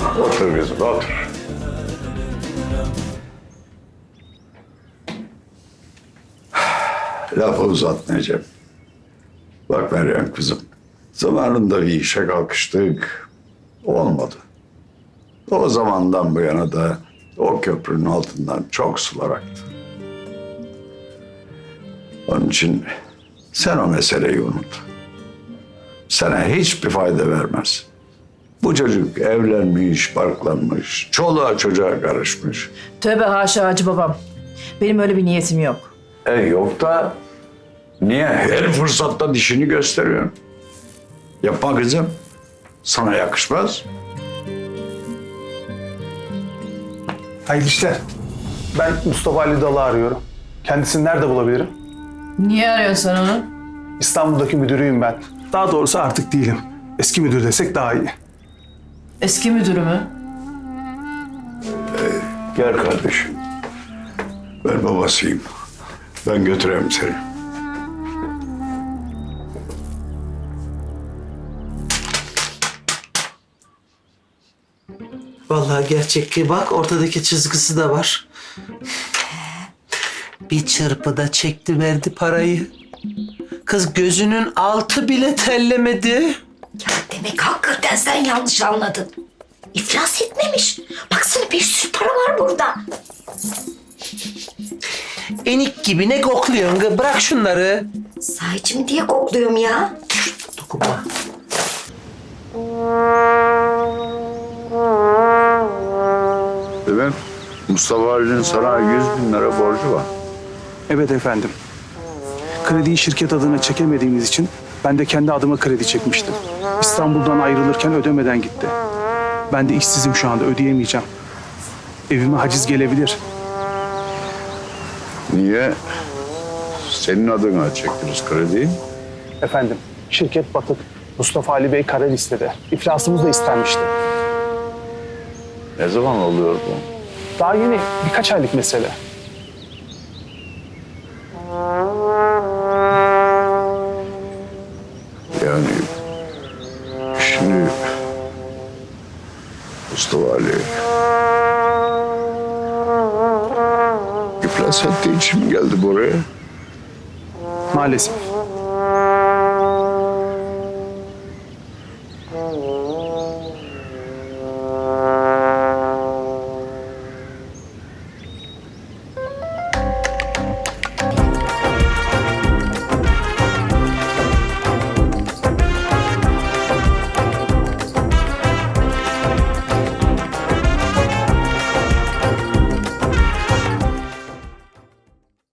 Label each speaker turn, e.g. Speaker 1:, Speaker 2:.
Speaker 1: Otur kızım, otur. Lafı uzatmayacağım. Bak Meryem kızım, zamanında bir işe kalkıştık, olmadı. O zamandan bu yana da o köprünün altından çok sular aktı. Onun için sen o meseleyi unut. Sana hiçbir fayda vermez. Bu çocuk evlenmiş, barklanmış, çoluğa çocuğa karışmış.
Speaker 2: Tövbe haşa Hacı babam. Benim öyle bir niyetim yok.
Speaker 1: Yok da niye her fırsatta dişini gösteriyorsun? Yapma kızım. Sana yakışmaz.
Speaker 3: Hayırlı işler. Ben Mustafa Ali Dal'ı arıyorum. Kendisini nerede bulabilirim?
Speaker 2: Niye arıyorsun sen onu?
Speaker 3: İstanbul'daki müdürüyüm ben. Daha doğrusu artık değilim. Eski müdür desek daha iyi.
Speaker 2: Eski müdürü mü?
Speaker 1: Gel kardeşim. Ben babasıyım. Ben götüreyim seni.
Speaker 4: Vallahi gerçekliği bak, ortadaki çizgisi de var. Bir çırpıda çekti verdi parayı. Kız gözünün altı bile terlemedi.
Speaker 5: Ya demek hakikaten sen yanlış anladın. İflas etmemiş. Baksana bir sürü para var burada.
Speaker 4: Enik gibi ne kokluyorsun kız? Bırak şunları.
Speaker 5: Sahici mi diye kokluyorum ya.
Speaker 4: Dokunma.
Speaker 1: Demek Mustafa Ali'nin sana 100.000 lira borcu var.
Speaker 3: Evet efendim. Krediyi şirket adına çekemediğimiz için ben de kendi adıma kredi çekmiştim. İstanbul'dan ayrılırken ödemeden gitti. Ben de işsizim şu anda, ödeyemeyeceğim. Evime haciz gelebilir.
Speaker 1: Niye? Senin adına çektiniz krediyi.
Speaker 3: Efendim, şirket batık. Mustafa Ali Bey kara listede. İflasımız da istenmişti.
Speaker 1: Ne zaman oluyor bu?
Speaker 3: Daha yeni, birkaç aylık mesele.
Speaker 1: Yani şimdi Mustafa Ali iflas ettiği için mi geldi buraya?
Speaker 3: Maalesef.